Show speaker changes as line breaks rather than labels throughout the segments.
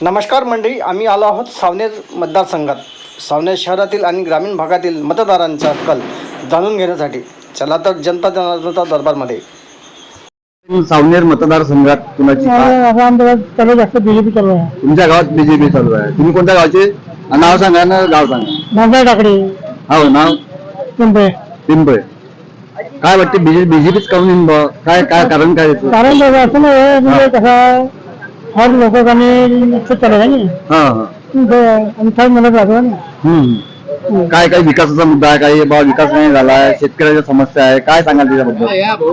नमस्कार मंडळी, आम्ही आलो आहोत सावनेर मतदारसंघात. सावनेर शहरातील आणि ग्रामीण भागातील मतदारांचा कल जाणून घेण्यासाठी. चला तर जनता जनार्दनचा दरबारमध्ये.
सावनेर मतदारसंघात कुणाची
जास्त बीजेपी चालू आहे.
तुमच्या गावात बीजेपी चालू आहे. तुम्ही कोणत्या गावचे? नाव सांगा ना, गाव सांगा.
नांदेड टाकडी.
हो, नाव
पिंपळे.
पिंपळे. काय वाटते बीजेपीच काऊन? काय काय कारण काय येतं?
कारण असं नाही म्हणजे कसं हर लोकांनी चालू आहे ना. आणि काय म्हणत राहतो ना.
काय काय विकासाचा मुद्दा आहे? काही बा विकास नाही झालाय, शेतकऱ्याच्या समस्या आहे, काय सांगाल त्याच्याबद्दल?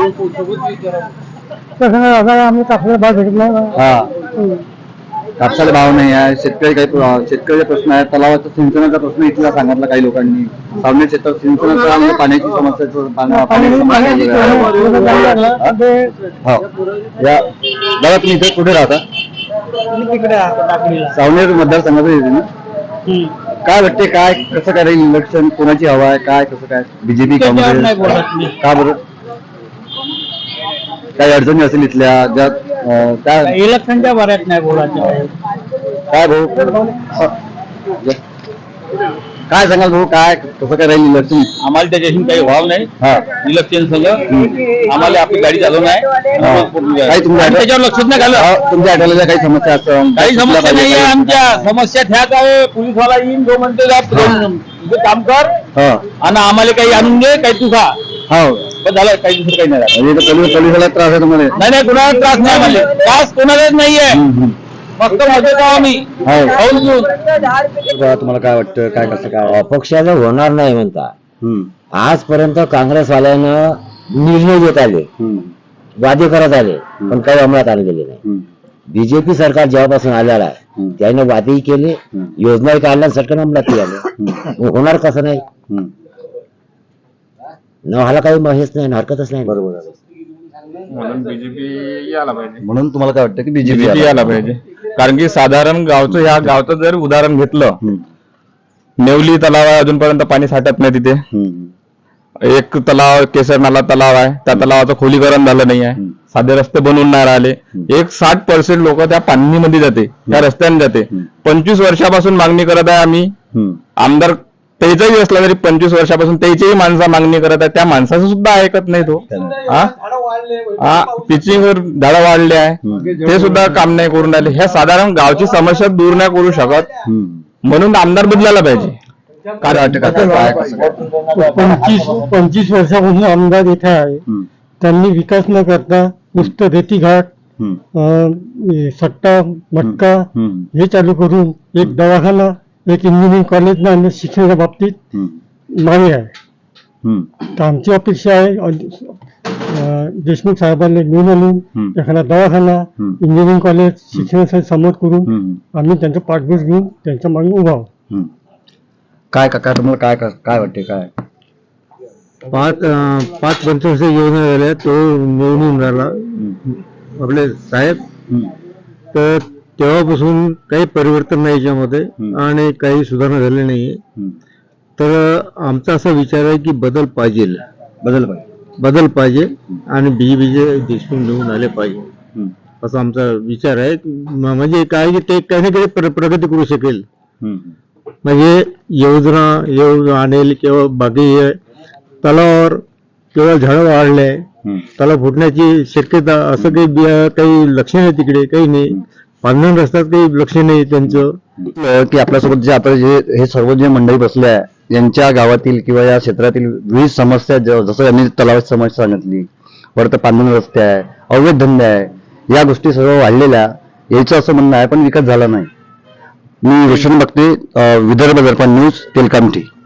कसं आता आम्ही कापसाला भाव भेटत नाही.
कापसाला भाव नाही आहे, शेतकरी काही शेतकऱ्याचे प्रश्न आहे, तलावाचा सिंचनाचा प्रश्न इथला सांगितला काही लोकांनी. सावनेर क्षेत्रात सिंचनाचा आणि पाण्याची समस्या दादा, तुम्ही इथे कुठे राहता? सावनेर मतदारसंघाचं येते ना. काय वाटते, काय कसं काय राहील इलेक्शन? कोणाची हवा आहे, काय कसं काय? बीजेपी, काँग्रेस? का बरं? काही अडचणी असेल इथल्या ज्यात काय
इलेक्शनच्या बऱ्याच नाही बोलायचं.
काय भाऊ, काय सांगाल भाऊ, काय कसं काय राहील इलेक्शन?
आम्हाला त्याच्याशी काही भाव नाही. इलेक्शन सगळं आम्हाला आपली गाडी चालू नाही.
काही तुमच्या
त्याच्यावर लक्षच नाही घालं.
तुमच्या आठवड्याच्या काही समस्या असतात?
काही समस्या नाही आहे. आमच्या समस्या ह्याच आहे, पोलीसवाला येईन जो म्हणते तुझं काम कर आणि आम्हाला काही आणून दे, काही तू खा.
हो,
बस झालं, काही दुसरं काही नाही.
म्हणजे पोलिसाला त्रास आहे तुम्हाला?
नाही, कोणाला त्रास नाही. आम्हाला त्रास कोणालाच नाहीये. फक्त मदत आम्ही खाऊन घेऊन.
तुम्हाला काय वाटतं, काय कसं काय?
अपक्षाचं होणार नाही म्हणता. आजपर्यंत काँग्रेसवाल्यानं निर्णय देत आले, वादे करत आले, पण काही अंमलात आणलेले नाही. बीजेपी सरकार जेव्हापासून आलेला आहे त्याने वादेही केले, योजनाही काढल्या, सरकार अंमलातही आले. होणार कसं नाही? व्हायला काही महेच नाही, हरकतच नाही.
बरोबर आहे.
म्हणून बीजेपी यायला पाहिजे.
म्हणून तुम्हाला काय वाटतं की
बीजेपी यायला पाहिजे? कारण की साधारण ह्या गावचं जर उदाहरण घेतलं, नेवली तलाव आहे, अजूनपर्यंत पाणी साठत नाही तिथे. एक तलाव, केसर नाला तलाव आहे, त्या तलावाचं खोलीकरण झालं नाही आहे, साधे रस्ते बनवून नाही राहिले. 60% लोक त्या पाणीमध्ये जाते, त्या रस्त्याने जाते. 25 वर्षापासून मागणी करत आहे आम्ही. आमदार त्याचाही असला तरी 25 वर्षापासून त्याचीही माणसं मागणी करत आहे, त्या माणसाचं सुद्धा ऐकत नाही तो. पिचिंग वर झाडं वाढले आहे, ते सुद्धा काम नाही करून राहिले. ह्या साधारण गावची समस्या दूर नाही करू शकत, म्हणून आमदार बदलायला पाहिजे.
काय वाटतं?
25 वर्षापासून आमदार इथे आहे. त्यांनी विकास न करता नुसतं रेतीघाट, सट्टा मटका हे चालू करून एक दवाखाना, एक इंजिनिअरिंग कॉलेज आणि शिक्षणाच्या बाबतीत मागे आहे. तर आमची अपेक्षा आहे देशमुख साहेबांना घेऊन आणून एखादा दवाखाना, इंजिनिअरिंग कॉलेज शिक्षणासाठी समोर करून आम्ही त्यांचा पाठबळ घेऊन त्यांच्या मागे उभा आहोत.
काय काका, तुम्हाला काय काय वाटते? काय
5-25 योजना झाल्या, तो निवडून राहिला आपले साहेब. तर तेव्हापासून काही परिवर्तन नाही याच्यामध्ये आणि काही सुधारणा झाली नाहीये. तर आमचा असा विचार आहे की बदल पाहिजे आणि बीजेपीचे देशमुख निवडून आले पाहिजे, असा आमचा विचार आहे. म्हणजे काय की ते काही ना काही प्रगती करू शकेल. म्हणजे योजना आणेल किंवा बाकी तलावावर केवळ झाडं वाढले, तलाव फुटण्याची शक्यता असं काही लक्ष नाही तिकडे, काही नाही. पांढरण रस्त्यात काही लक्ष नाही त्यांचं.
की आपल्यासोबत जे आता हे सर्व जे मंडळी बसले आहे, यांच्या गावातील किंवा या क्षेत्रातील विविध समस्या, जसं यांनी तलावाची समस्या सांगितली, वरत पांढरण रस्ते आहे, अवैध धंदे आहे, या गोष्टी सर्व वाढलेल्या, यायचं असं म्हणणं आहे, पण विकास झाला नाही. मी रोशन बघते, विदर्भ दर्पण न्यूज, तेलकामठी.